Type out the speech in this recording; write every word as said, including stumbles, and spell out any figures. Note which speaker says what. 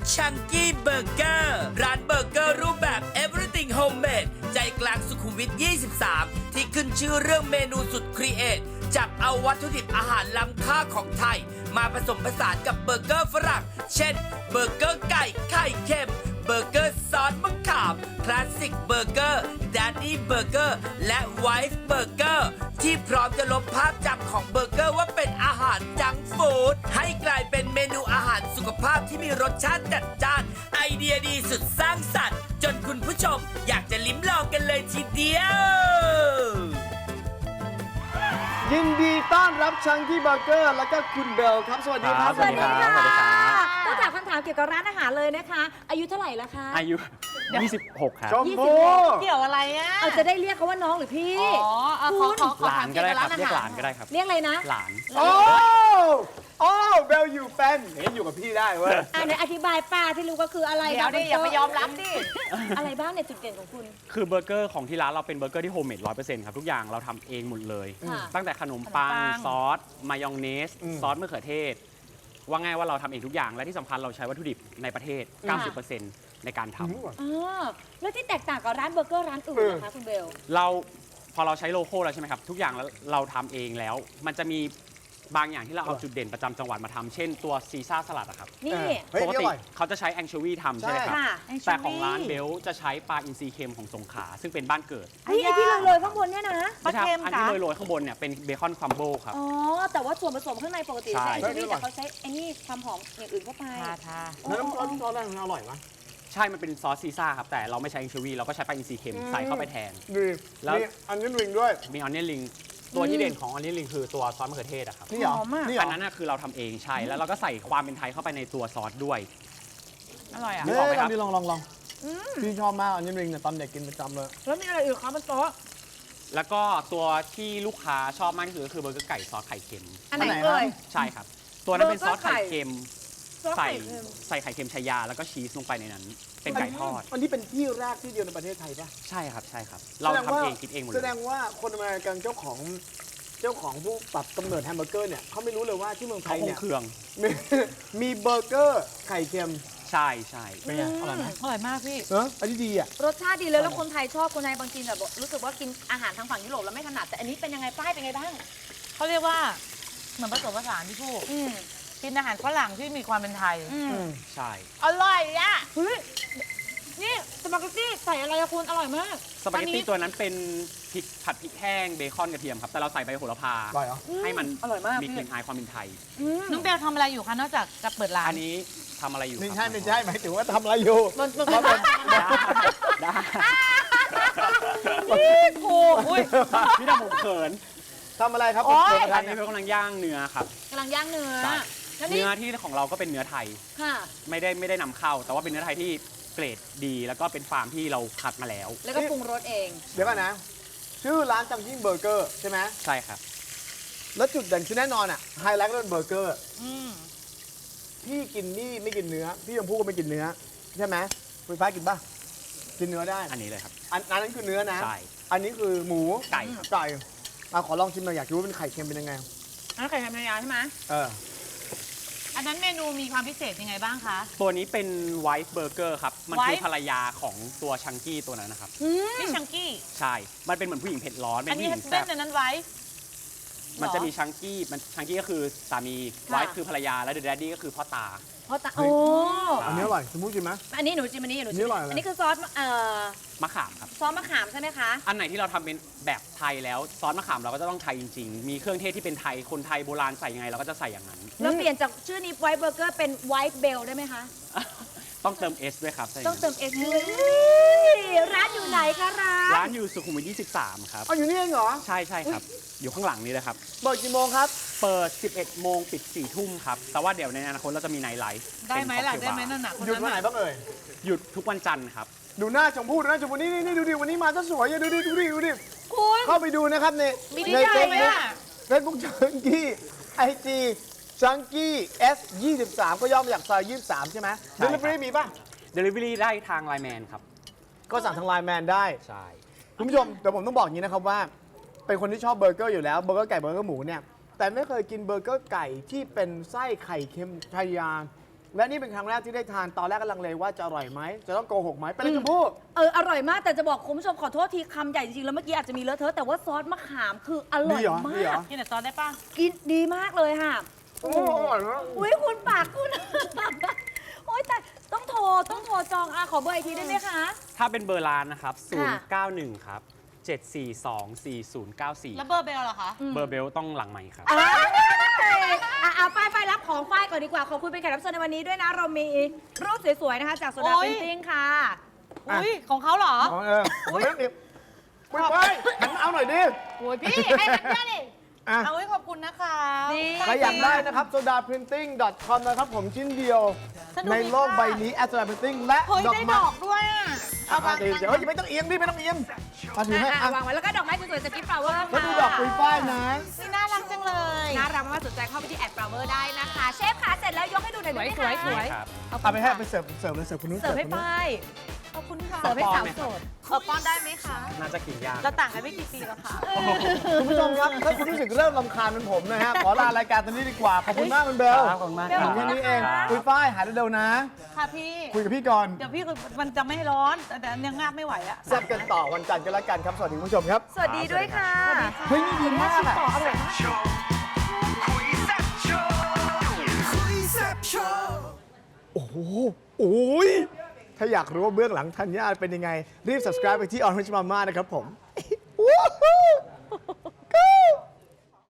Speaker 1: Chunky Burger ร้านเบอร์เกอร์รูปแบบ Everything Homemade ใจกลางสุขุมวิท ยี่สิบสาม ที่ขึ้นชื่อเรื่องเมนูสุดครีเอทจับเอาวัตถุดิบอาหารล้ำค่าของไทย มาผสมผสานกับเบอร์เกอร์ฝรั่ง เช่น เบอร์เกอร์ไก่ไข่เค็ม เบอร์เกอร์ซอสมะขามคลาสสิกเบอร์เกอร์ดัดดี้เบอร์เกอร์และไวฟ์เบอร์เกอร์ที่พร้อมจะลบภาพจำของเบอร์เกอร์ว่าเป็นอาหารจังก์ฟู้ดให้กลายเป็นเมนูอาหารสุขภาพที่มีรสชาติจัดจ้าน ไอเดียดีสุดสร้างสรรค์จนคุณผู้ชมอยากจะลิ้มลองกันเลยทีเดียว
Speaker 2: ยินดีต้อนรับชังกี้เบอร์เกอร์แล้วก็คุณเบลครับ สวัสดีครับ
Speaker 3: สวัสดีค่ะ
Speaker 4: สวัสดีครับ
Speaker 3: ต้องถามคำถามเกี่ยวกับร้านอาหารเลยนะคะ อายุเท่าไหร่แล้วคะ
Speaker 4: อายุ ยี่สิบหก ครับ
Speaker 2: ชม
Speaker 3: ยี่สิ
Speaker 2: พู
Speaker 3: บหก
Speaker 5: เกี่ยวอะไรอ่ะ
Speaker 3: เอาจะได้เรียกเขาว่าน้องหรือพี่
Speaker 5: อ๋อเอาขอขอขอ
Speaker 4: หลา
Speaker 5: ถาน ม
Speaker 4: ก็
Speaker 5: เกี่ยว
Speaker 4: ได้
Speaker 5: กับ
Speaker 4: ครับ
Speaker 5: ร้านอา
Speaker 4: เรียกห
Speaker 5: หา
Speaker 4: ลาร นก็ได้ครับ
Speaker 3: เรียกอะไรนะ
Speaker 4: หลาน
Speaker 2: โอ้โอ้เบลอยู่แฟนเห็นอยู่กับพี่ได้เว้ย
Speaker 3: อ่าในอธิบายป้าที่รู้ก็คืออะไร
Speaker 5: เดี๋ยวดิอย่าไปยอมรับดิ
Speaker 3: อะไรบ้างในจุดเด่นของคุณ
Speaker 4: คือเบอร์เกอร์ของที่ร้านเราเป็นเบอร์เกอร์ที่โฮมเมดร้อยเปอร์เซ็นต์ครับทุกอย่างเราทำเองหมดเลย
Speaker 3: ค่ะ
Speaker 4: ตั้งแต่ขนมปัง
Speaker 5: ขนมปัง
Speaker 4: ซอส มายองเนส ซอสมะเขือเทศ ว่าง่ายว่าเราทำเองทุกอย่าง และที่สำคัญเราใช้วัตถุดิบในประเทศ เก้าสิบเปอร์เซ็นต์ ในการทำ
Speaker 3: อ๋อแล้วที่แตกต่างกับร้านเบอร์เกอร์ร้านอื่นนะคะคุณเบล
Speaker 4: เราพอเราใช้โลโก้แล้วใช่ไหมครับ ทุกอย่างแล้วเราทำเองแล้ว มันจะมีบางอย่างที่เราเอาจุดเด่นประจำจังหวัดมาทำเช่นตัวซีซ่าสลัดอะครับ
Speaker 3: นี่
Speaker 2: เฮ้ย
Speaker 4: ปก
Speaker 2: นี่อ
Speaker 4: ติ
Speaker 2: ร่อย
Speaker 4: เขาจะใช้แองโชวีทำใช่ไหมครับ
Speaker 3: ค่ะ
Speaker 4: แต่ของร้านเบลจะใช้ปลาอินทรีเค็มของสงขลาซึ่งเป็นบ้านเกิด
Speaker 3: เฮ้ยไอ้ที่เลยๆข้างบนเนี่ยนะ
Speaker 5: ปลาเค็ม
Speaker 4: อัน
Speaker 5: ค่ะ
Speaker 4: ที่โรยๆข้างบนเนี่ยเป็นเบคอนครัมเบิลครับ
Speaker 3: อ๋อ แต่ว่าส่วนผสมข้างในปกติ
Speaker 4: ใช่
Speaker 3: ใช้แอนโชวีแต่เขาใช้ไอ้นี่ความหอมอย่างอื่นเข้าไป
Speaker 5: ทาทา
Speaker 2: แล้วน้ำซอสน้ำซอสอะไรมันอร่อยปะ
Speaker 4: ใช่ มันเป็นซอสซีซ่าครับ แต่เราไม่ใช้แองโชวีเราก็ใช้ปลาอินทรีเค็มใส่เข้าไปแทน
Speaker 2: ดี
Speaker 4: แล้ว
Speaker 2: มีอันนี้ริงด้วย
Speaker 4: มีออนเนลลิงตัวที่เด่นของออนเนลลิงคือตัวซอสมะเขือเทศอะครับ
Speaker 2: นี่เหรอ
Speaker 5: หอมมาก
Speaker 2: นี่เหร
Speaker 4: อั
Speaker 2: อน
Speaker 4: นั้นน่ะคือเราทำเองใช่ แล้วเราก็ใส่ความเป็นไทยเข้าไปในตัวซอสด้วย
Speaker 5: อร่อยอ่ะ
Speaker 4: นึ
Speaker 2: เนี่
Speaker 4: กออกไหมครับ
Speaker 2: ยลองลองลองพี่ชอบมากอันนี้ริงเนี่ยตอนเด็กกินประจำเลย
Speaker 3: แล้วมีอะไรอื่นคะบนโต๊ะ
Speaker 4: แล้วก็ตัวที่ลูกค้าชอบมากที่สุดก็คือเบอร์เกอร์ไก่ซอสไข่เค็ม
Speaker 3: อันไหน
Speaker 2: อันไหน
Speaker 3: เอ่ย
Speaker 4: ใช่ครับ ตัวนั้นเป็นซอส
Speaker 3: เบอร์เกอร์ไข่
Speaker 4: ไข่เค็ม
Speaker 3: ซอส
Speaker 4: ใส่
Speaker 3: ไข่เค็ม
Speaker 4: ใส่ไข่เค็มชายาแล้วก็ชีสลงไปในนั้น เป็นไก่ทอด
Speaker 2: อันนี้เป็นที่แรกที่เดียวในประเทศไทยปะ
Speaker 4: ใช่ครับใช่ครับ เรา
Speaker 2: แสด
Speaker 4: ทำ
Speaker 2: ว่า
Speaker 4: เองคิดเองหมดเล
Speaker 2: แสด
Speaker 4: ย
Speaker 2: งว่าคนอเมริกันเจ้าของเจ้าของผู้ปรับกำเนิดแฮมเบอร์เกอร์เนี่ยเขาไม่รู้เลยว่าที่เมืองไท
Speaker 4: เขา
Speaker 2: ย
Speaker 4: คง
Speaker 2: เนี่ย
Speaker 4: เครื่อง
Speaker 2: มีมีเบอร์เกอร์ไข่เค็ม
Speaker 4: ใช่ใช่
Speaker 2: เป็นไงอร่อยไหม
Speaker 5: อร่อยมากพี่
Speaker 2: เอออันนี้ดีอ่ะ
Speaker 3: รสชาติดีเลยแล้วคนไทยชอบคนไทยบางทีแบบรู้สึกว่ากินอาหารทางฝั่งยุโรปแล้วไม่ถนัดแต่อันนี้เป็นยังไงป้ายเป็นไงบ้าง
Speaker 5: เขาเรียกว่าเหมือนผสมผสานพี่ผู้
Speaker 3: อืม
Speaker 5: กินอาหารฝรั่งที่มีความเป็นไทย
Speaker 3: อืม
Speaker 4: ใช่
Speaker 5: อร่อยอ่ะ
Speaker 3: เฮ้ยนี่สปาเกตตี้ใส่อะไรอะคุณอร่อยมาก
Speaker 4: สปาเกตตี้ตัวนั้นเป็นพริกผัดพริกแห้งเบคอนกระเทียมครับ แต่เราใส่ใบโหระพา
Speaker 2: อร่อยเหรอ
Speaker 4: ให้มัน
Speaker 3: อร่อยมาก
Speaker 4: มีกลิ่นอายความเป็นไทย
Speaker 3: อืม
Speaker 5: น้องเบลทำอะไรอยู่คะนอกจากจะเปิดร้าน
Speaker 4: อันนี้ทำอะไรอยู่
Speaker 2: ไม่
Speaker 4: ครับ
Speaker 2: ใช่ไม่ใช่หมายถึงว่าทำอะไรอยู่
Speaker 3: มันมัน
Speaker 2: ครับผม
Speaker 4: ได้ได้
Speaker 5: โอ้อุ้ย
Speaker 4: พี่ดำผมเขิน
Speaker 2: ทำอะไรครับ
Speaker 5: โอ๊ย
Speaker 2: เปิดกระ
Speaker 4: อั
Speaker 2: ทะ
Speaker 4: นนี้
Speaker 2: เนี่ย
Speaker 4: เป็นกำลังย่างเนื้อครับ
Speaker 3: กำลังย่างเนื้อ
Speaker 4: ใช่
Speaker 3: แล้วนี่
Speaker 4: เนื้อที่ของเราก็เป็นเนื้อไทย
Speaker 3: ค่ะ
Speaker 4: ไม่ได้ไม่ได้นำเข้า แต่ว่าเป็นเนื้อไทยที่เกรดดี แล้วก็เป็นฟาร์มที่เราคัดมาแล้ว
Speaker 3: แล้วก็ปรุงรสเอง
Speaker 2: เดี๋ยวก่อนนะ ชื่อร้านจังยิ่งเบอร์เกอร์ใช่ไหม
Speaker 4: ใช่ครับ
Speaker 2: แล้วจุดเด่นคือแน่นอนอ่ะไฮไลท์ก็เป็นเบอร์เกอร์
Speaker 5: อืม
Speaker 2: พี่กินนี่ไม่กินเนื้อ พี่ชมพู่ก็ไม่กินเนื้อ ใช่ไหมไฟฟ้ากินป่ะ กินเนื้อได้
Speaker 4: อันนี้เลยครับ
Speaker 2: อันอันนั้นคือเนื้อนะ
Speaker 4: ใช่
Speaker 2: อันนี้คือหมู
Speaker 4: ไก่ครับ
Speaker 2: ไก่มาขอลองชิมหน่อยอยากรู้ว่าเป็นไข่เค็มเป็นยังไง
Speaker 3: อันนั้นไข่แฮมยาใช่ไหม
Speaker 2: เออ
Speaker 5: อันนั้นเมนูมีความพิเศษยังไงบ้างคะ
Speaker 4: ตัวนี้เป็นไวท์เบอร์เกอร์ครับ มันคือ
Speaker 5: Wife
Speaker 4: ภรรยาของตัวชังกี้ตัวนั้นนะครับ
Speaker 3: อืม
Speaker 5: นี่ชังกี้
Speaker 4: ใช่ มันเป็นเหมือนผู้หญิงเผ็ดร้อน เป็
Speaker 5: อัน
Speaker 4: นผู้
Speaker 5: นี้
Speaker 4: หญิง
Speaker 5: เส้
Speaker 4: แซ่
Speaker 5: น
Speaker 4: บ
Speaker 5: อันนั้นไว้
Speaker 4: มันจะมีชังกี้ มันชังกี้ก็คือสามี ไวท์คือภรรยา และเดอะแดดดี้ก็คือพ่อตา
Speaker 3: เพราะตาโอ้
Speaker 2: อันนี้อร่อยชมพู่ชิมไหม
Speaker 3: อันนี้หนูจิมอันนี้หนู
Speaker 2: อัน
Speaker 3: จิ
Speaker 2: นี้
Speaker 3: ม
Speaker 2: อร่อยอะไร
Speaker 3: อันนี้คือซอสเอ่อ
Speaker 4: มะขามครับ
Speaker 3: ซอสมะขามใช่ไหมคะ
Speaker 4: อันไหนที่เราทำเป็นแบบไทยแล้วซอสมะขามเราก็จะต้องไทยจริงๆ มีเครื่องเทศที่เป็นไทย คนไทยโบราณใส่ยังไงเราก็จะใส่อย่างนั้น
Speaker 3: แล้วเปลี่ยนจากชื่อนี้ไวท์เบอร์เกอร์เป็นไวท์เบลได้ไหมคะ
Speaker 4: ต้องเติม S ด้วยครับใส่ย่า
Speaker 3: ต้อง
Speaker 4: นั้น
Speaker 3: เติมเอสด้วยร้านอยู่ไหนคะร้าน
Speaker 4: ร้านอยู่สุขุมวิทยี่สิบสาม ครับ
Speaker 2: เอาอยู่นี่เองเหรอ
Speaker 4: ใช่ใช่ครับ อยู่ข้างหลังนี้เลยครับ
Speaker 2: เปิดกี่โมงครับ
Speaker 4: เปิด สิบเอ็ดโมงปิด สี่ ทุ่มครับ แต่ว่าเดี๋ยวในอนาคตเราจะมีไนท์ไลฟ์
Speaker 5: ได้ไหมล่ะ
Speaker 4: เป็น
Speaker 5: ได้ไหม
Speaker 4: ค็อกเทลบาร์
Speaker 5: นั่นหนักคน
Speaker 2: หยุด
Speaker 5: นั้น
Speaker 2: วันไหน
Speaker 5: น่ะ
Speaker 2: บ้างเอ่ย
Speaker 4: หยุดทุกวันจันทร์ครับ
Speaker 2: ดูหน้าชมพู่ดูหน้าชมพู่นี่นี่นี่ดูดิวันนี้มาซะสวยอ่ะดูดิดูดิดูดิ
Speaker 3: คุณ
Speaker 2: เข้าไปดูนะครับใน
Speaker 5: มีดี
Speaker 2: ใน
Speaker 5: ใจ
Speaker 2: เฟซ
Speaker 5: ไหม
Speaker 2: บุ๊ก
Speaker 5: อ่ะ
Speaker 2: เฟซบุ๊กจังกี้ไอจีจังกี้ S ยี่สิบสามก็ย่อมาจากซอยยี่สิบสามใช่ไหม
Speaker 4: ใช่
Speaker 2: เด
Speaker 4: ครับ
Speaker 2: ลิเวอรี่มีป่ะ
Speaker 4: Delivery ได้ทางไลน์แมนครับ
Speaker 2: ก็สั่งทางไลน์แมนได้
Speaker 4: ใช่
Speaker 2: คุณผู้ชมแต่ผมต้องบอกอย่างนี้นะครับว่า เป็นคนที่ชอบเบอร์เกอร์อยู่แล้วเบอร์เกอร์ไก่เบอร์เกอร์หมูเนี่ยแต่ไม่เคยกินเบอร์เกอร์ไก่ที่เป็นไส้ไข่เค็มชายาและนี่เป็นครั้งแรกที่ได้ทานตอนแรกก็ลังเลว่าจะอร่อยไหมจะต้องโกหกไหมเป็นไรชมพู่
Speaker 3: เอออร่อยมากแต่จะบอกคุณผู้ชมขอโทษทีคำใหญ่จริงๆแล้วเมื่อกี้อาจจะมีเลอะเทอะแต่ว่าซอสมะขามคืออร่อย
Speaker 2: ดีเหรอ
Speaker 3: มา
Speaker 2: ดีเหร
Speaker 3: ก
Speaker 2: อ
Speaker 5: กินแต่ซอสได้ป่ะ
Speaker 3: กินดีมากเลยค่ะ
Speaker 2: โอ้อร่อยมาก
Speaker 3: อุ้ยคุณปากคุณ โอ๊ยแต่ต้องโทรต้องโทรจองอ่ะขอเบอร์อีกทีได้ไหมคะ
Speaker 4: ถ้าเป็นเบอร์ร้านนะครับ ศูน
Speaker 3: ค่ะ
Speaker 4: ย์ เก้า หนึ่ง ครับ เจ็ด สี่ สอง สี่ ศูนย์ เก้า สี่
Speaker 5: แล้วเบอร์เบลเหรอคะ
Speaker 4: เบอร์เบลต้องหลังใหม่ครับ
Speaker 3: อ่ะอ่ะเอาป้ายป้ายรับของป้ายก่อนดีกว่า ขอบคุณเป็นแขกรับเชิญในวันนี้ด้วยนะ เรามีรูปสวยๆ นะคะ จากโซดา
Speaker 5: โอ๊
Speaker 3: เพ
Speaker 5: ย
Speaker 3: นติ้งค่ะ
Speaker 5: อุ้ยของเขาเหรอ
Speaker 2: อ๋อเออผมไม่ต้องดิบไม่ไปหันมาเอาหน่อยดิ
Speaker 5: โอ้ยพี่ ให้มันเนี่ยดิ
Speaker 2: อ่ะ
Speaker 5: เอาไว้ขอบคุณนะคะ
Speaker 3: นี่
Speaker 2: ใครอยากได้นะครับ โซดาพรินติ้ง .com นะครับผมชิ้นเดียว
Speaker 5: สนุกดี
Speaker 2: ในโลก
Speaker 5: ค่ะ
Speaker 2: ใบนี้แอสโซดาพรินติ้งและ
Speaker 5: เฮ้ย
Speaker 2: ดอก
Speaker 5: ได้
Speaker 2: ไม้
Speaker 5: ดอกด้วยอ่ะ เอา
Speaker 2: อ่ะ
Speaker 5: วาง
Speaker 2: เดี๋ยวเดี๋ยวเฮ้ยไม่ต้องเอียงดิไม่ต้องเอียงมาถือให้
Speaker 3: อ่ะ
Speaker 2: อ่ะ
Speaker 3: วางไว้แล้วก็ดอกไม้สวยๆจากกิฟต์ฟลาวเวอร์
Speaker 2: แล้วดูดอกปุยฝ้ายนะ
Speaker 5: นี่น่ารักจังเลย
Speaker 3: น่ารักมากๆสนใจเข้าไปที่แอดฟลาวเวอร์ได้นะคะ เชฟค่ะเสร็จแล้วยกให้ดูหน่อยได้ไหมคะ
Speaker 5: สวยๆสวย
Speaker 4: ครับ
Speaker 2: เอาไปให้ไปเสิร์ฟเสิร์ฟเลยเสิร์ฟคุณนุ้น
Speaker 3: เสิร์ฟให้
Speaker 2: คุณนุ้น
Speaker 3: ป้าย
Speaker 5: ขอบคุณค่ะ
Speaker 3: เสิร์ฟให้สาว
Speaker 4: ป้อนไหม
Speaker 3: โสดเออป้อนได้ไหมคะ
Speaker 4: น่าจะกินยาก
Speaker 5: เราต่างกันไม่กี่ปีแล้วค่ะ
Speaker 2: คุณผู้ชมครับ ถ้าคุณรู้สึกเริ่มรำคาญเหมือนผมนะฮะ ขอลารายการตอนนี้ดีกว่า ขอบคุณมากคุณเบล
Speaker 4: ครับขอบคุณมาก
Speaker 2: ถึงแค่นี้เองคุยฝ้ายหายเร็วๆนะ
Speaker 5: ค่ะพี่
Speaker 2: คุยกับพี่ก่อน
Speaker 5: เดี๋ยวพี่มันจะไม่ร้อน แต่ยังงาบไม่ไหวอะ
Speaker 2: แซ่บกันต่อวันจันทร์กันละกันครับ สวัสดีคุณผู้ชมครับ
Speaker 3: สวัสดีด้วยค่ะ
Speaker 2: เฮ้ยนี่ดีมากอะ
Speaker 3: ต่ออร่อยมาก
Speaker 2: โอ้โหโอ้ยถ้าอยากรู้ว่าเบื้องหลังธัญญาเป็นยังไง รีบ subscribe ไปที่ Orange Mama นะครับผม